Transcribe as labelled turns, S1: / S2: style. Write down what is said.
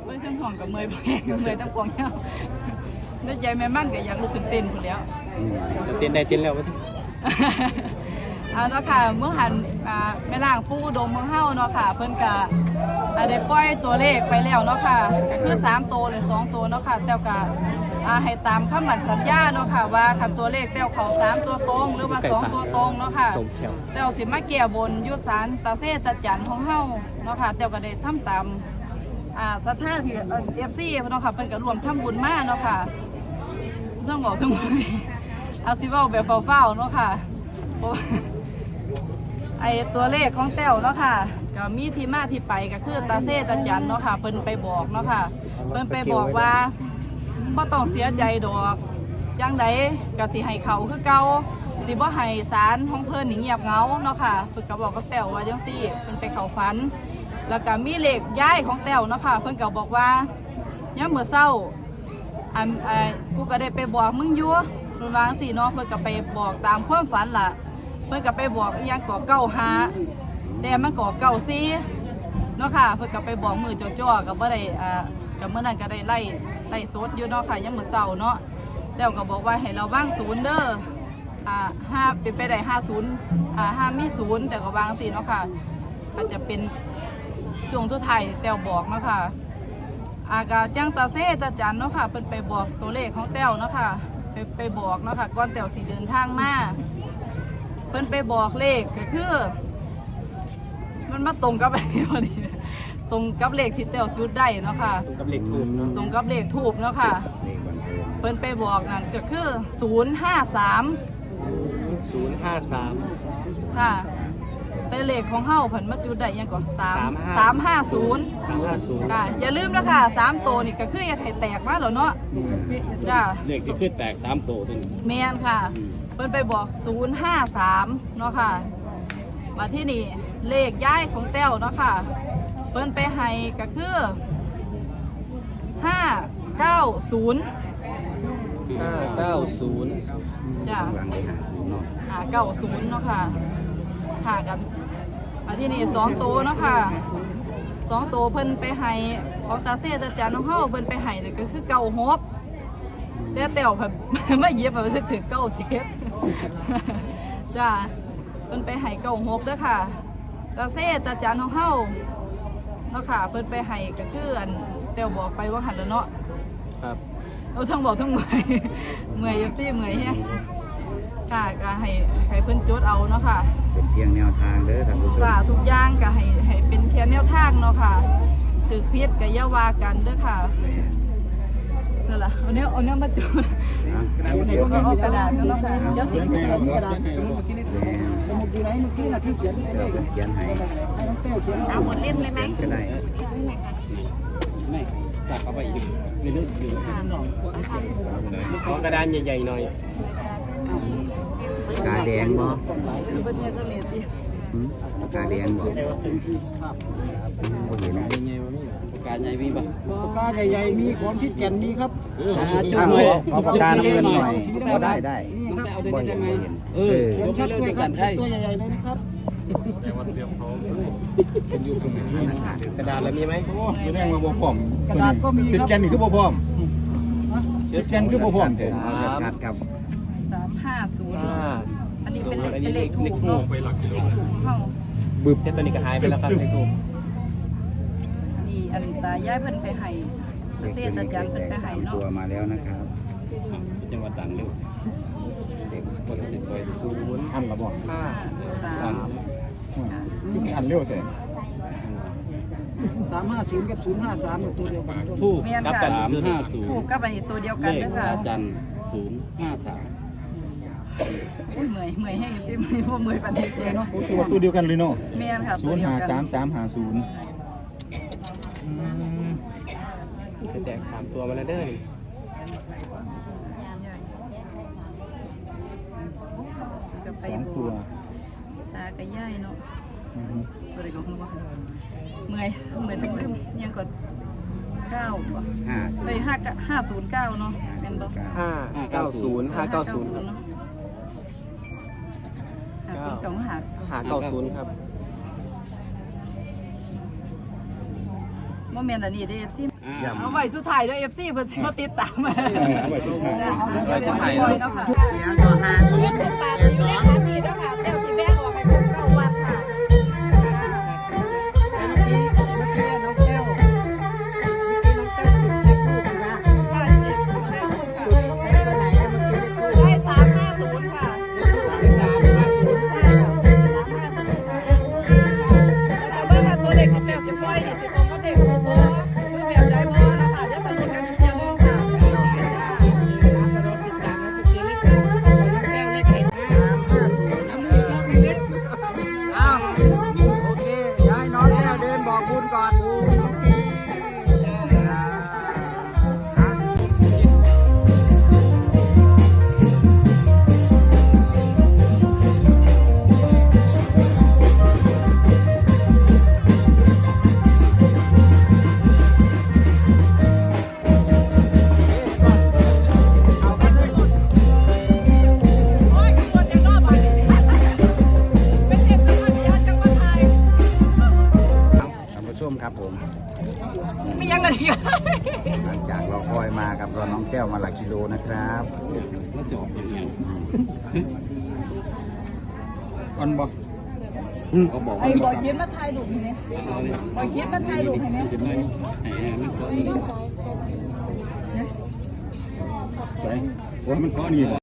S1: อ้ยทั้งห่วงกับเมย์แพงเมย์ต้องกวางเงาแล้วยายแม่มั่นก็อยากลุกขึ้นเต้นคนแล้ว
S2: เต้นได้เต้นแล้ววะที่
S1: เนาะค่ะเมื่อหันแม่นางผู้อุดมเมืองเฮาเนาะค่ะเพิ่นก็ได้ปล่อยตัวเลขไปแล้วเนาะค่ะก็คือ3ตัวหรือ2ตัวเนาะค่ะแต่ก็ให้ตามคำมั่นสัญญาเนาะค่ะว่าคันตัวเลขแต้วเขา3ตัวตรงหรือว่า2ตัวตรงเนาะค่ะแต้วสิมาแก้บนยุศาลตาเซตาจันของเฮาเนาะค่ะแต้วก็ได้ทำตามศรัทธาที่FC เนาะค่ะเพิ่นก็ร่วมทำบุญมาเนาะค่ะต้องบอกทั้งหมดเอาสิเว้าแบบเฝ้าๆเนาะค่ะไอตัวเลขของแต้วเนาะค่ะก็มีที่มาที่ไปก็คือตาเซตาจันเนาะค่ะเพิ่นไปบอกเนาะค่ะเพิ่นไปบอกว่าบ่ต้องเสียใจดอกจังใดก็สิให้เขาคือเก่าสิบ่ให้ศาลของเพิ่นนี่เงียบเหงาเนาะค่ะเพิ่นก็บอกกับแต้วว่าจังซี่เพิ่นไปเข้าฝันแล้วก็มีเลขย้ายของแต้วเนาะค่ะเพิ่นก็บอกว่ายามมื้อเช้ากูก็ได้ไปบอกมึงอยู่เพิ่นว่าจังซี่เนาะเพิ่นก็ไปบอกตามความฝันล่ะเพิ่นก็ไปบอกอีหยังก่อ95แต่มันก่อ94เนาะค่ะเพิ่นก็ไปบอกมือจ่อๆก็บ่ได้ก็เมื่อนั้นก็ได้ไล่สดอยู่เนาะค่ะยังมื้อเช้าเนาะแล้วก็บอกว่าให้เราวางศูนย์เด้อ5เป็นไปได้505มี0แต่ก็วางสิเนาะค่ะอาจจะเป็นช่วงตัวไทยแต้วบอกเนาะค่ะก็จังตาเซตาจันเนาะค่ะเพิ่นไปบอกตัวเลขของแต้วเนาะค่ะไปบอกเนาะค่ะก่อนแต้วสิเดินทางมาเพิ่นไปบอกเลขก็คือมันมาตรงกับอะไรพอดีตรงกับเลขที่แต้วจุดได้เนาะค่ะ
S2: กับเลขทูบเนาะ
S1: ตรงกับเลขทูบเนาะค่ะเพิ่นไปบอกนั่นก็คือ053ค่ะแต่เลขของเฮาเพิ่นมาจุดได้ยังก่อน350ค่ะอย่าลืมนะคะ3ตัวนี่ก็คืออย่าให้แตกมาแล้วเนาะจ้า
S2: เลขที่ขึ้นแตก3ตัวตัวนี้
S1: แม่นค่ะเพิ่นไปบอก053เนาะค่ะมาที่นี่เลขย้ายของแต้วเนาะค่ะเพิ่นไปให้ก็คือ590จ้ะ590เนาะค่ะค่ะกับมาที่นี่2ตัวเนาะค่ะ2ตัวเพิ่นไปให้ของตาเซตาจันของเฮาเพิ่นไปให้นี่ก็คือ96แต่แต้วแบบไม่เย็บแบบถึง97จ้ะเพิ่นไปให้96เด้อค่ะตาเซตาจันของเฮาเนาะค่ะเพิ่นไปให้ก็คือแต้วบอกไปว่าหันแล้วเนาะ
S2: ครับ
S1: เราทั้งบอกทั้งเมื่อยซี่เมื่อยเฮียค่ะก็ให้เพิ่นจดเอาเนาะค่ะ
S3: เป็นเพียงแนวทางเด้อท่านผู้ชม
S1: ค่ะทุกอย่างก็ให้เป็นเพียงแนวทางเนาะค่ะตึกพิษกับย่าว่ากันเด้อค่ะนั่นแหละเอาเนี้ยมาจุดเอากระดาษกันเนาะค่ะเดี๋ยวสิ่งที่กระดาษสมุดอยู่ไหนเมื่อกี้น่ะที่เขียนให้
S3: เขียนให้
S1: น้องเต้เขียนเอาหมดเล่มเลยไหม
S3: ก็ได้
S2: ไม่สักเอาไปอีกในเรื่องอยู่กระดานใหญ่ๆหน่อย
S3: กาแดงบ่
S1: เป็นเนี่ยเสลียดดิ
S3: กาแดงบ่เห็นนะ
S2: ปากกาใหญ่มีป่ะ
S4: ปากกาใหญ่ๆมีของที่แก่นมีครับ
S3: จุดหน่อยเอาปากกาเงินหน่อยก็ได้
S2: บ่เห็นยกให้เลิกจะสั่นให้
S4: ตัวใหญ่ๆเลยนะครับ
S2: กระดาษแล้วมีไหม
S5: แรงมาบ่พร้อม
S4: กระดาษก็มี
S5: ครับแกนนี่คือบ่พร้อมแกนคือบ่พร้อม
S3: ชัดครับ
S1: 350อันนี้เป็นเลขถูกเนาะเลขถูกของเฮา
S2: บึ้บแต่ตัวนี้ก็หายไปแล้วครับเลขถูก
S1: นี่อันตาย้ายเพิ่นไปให้เสียจัดการเพิ่นไปให้เนาะ
S3: ตัวมาแล้วนะครับ
S2: จังหวัดต่างเร็ว
S3: เด็ก
S2: คนเด็กไป
S5: อันละบ่
S1: 5
S5: คืออันเร็วแท้
S4: 350กับ053ตัวเดียวกัน
S2: ถูกกับ350
S1: ถูกกับอันนี้ตัวเดียวกันเด้อค่ะ
S2: จัน053
S1: อุ้ยเมื่อยให้สิเมื่อยปานนี้
S5: เนาะตัวเดียวกันเลยเนาะ
S1: แม่นค่ะตัวเดียวกัน
S5: 053
S2: 350แตก3ตัวมาแล้วเด้อ
S5: 2ตัว
S1: ตากระย่ายเนาะตัวเด็กของมึงว่าเมื่อยทั้งเรื่องยังกด9ป่ะไป509เนาะแม่นบ่
S2: 590
S1: เนาะ590
S2: ครับ
S1: โมเมนต์อันนี้เด้อ FC
S2: อ่า
S1: เอาไว้สุดท้ายเด้อ FC เพิ่นสิมาติดตาม
S5: เอาไว้สุดท้าย
S2: ไว้สุดท้าย
S1: เนาะค่ะ
S3: เนี่ยก็50
S1: ปากเลขอันนี้เนาะค่ะแล้วสิแบ่งออกให้ผมเก้าวัดค่ะ
S3: เมื่อกี้น้องแก้วจุดเช็ครูปนะ
S1: ค่ะนี่ได้ถูกค่ะ
S3: จุดเช็คตัวไหนอะเมื่อกี้ได้รูป
S1: ได้350ค่ะ
S3: ได้350
S1: ใช่ค่ะ350ค่ะแล้วเบิ่งว่าตัวเลขที่แปลสิบร้อยนี่สิตรงกับเลขของบ่หรือแบบใดบ่นะคะเดี๋ยวสรุปกันอีกทีนึงค่ะ
S3: อ้าวโอเคเดี๋ยวให้น้องแก้วเดินบอกบุญก่อนเอากันเลย
S1: โอ้ยขบวนยังรอบบ่ายนี่เป็นเอกสัญญาจังหวัดไทย
S3: ท่านผู้ชมครับผม
S1: มียังไงอีก
S3: หลังจากเราคอยมากับเราน้องแก้วมาหลายกิโลนะครับ
S2: แล้วจอบอย่างเงี้ย
S5: อันบ่
S2: เขาบอก
S1: ไอ้
S2: ว่า
S1: บอยคิดมาถ่ายรูปให้เนี่ยบอยคิดมาถ่ายรูปให้เนี่ย
S2: จะไม่ให้มันก็
S5: ไปว่ามันขอนี่บ่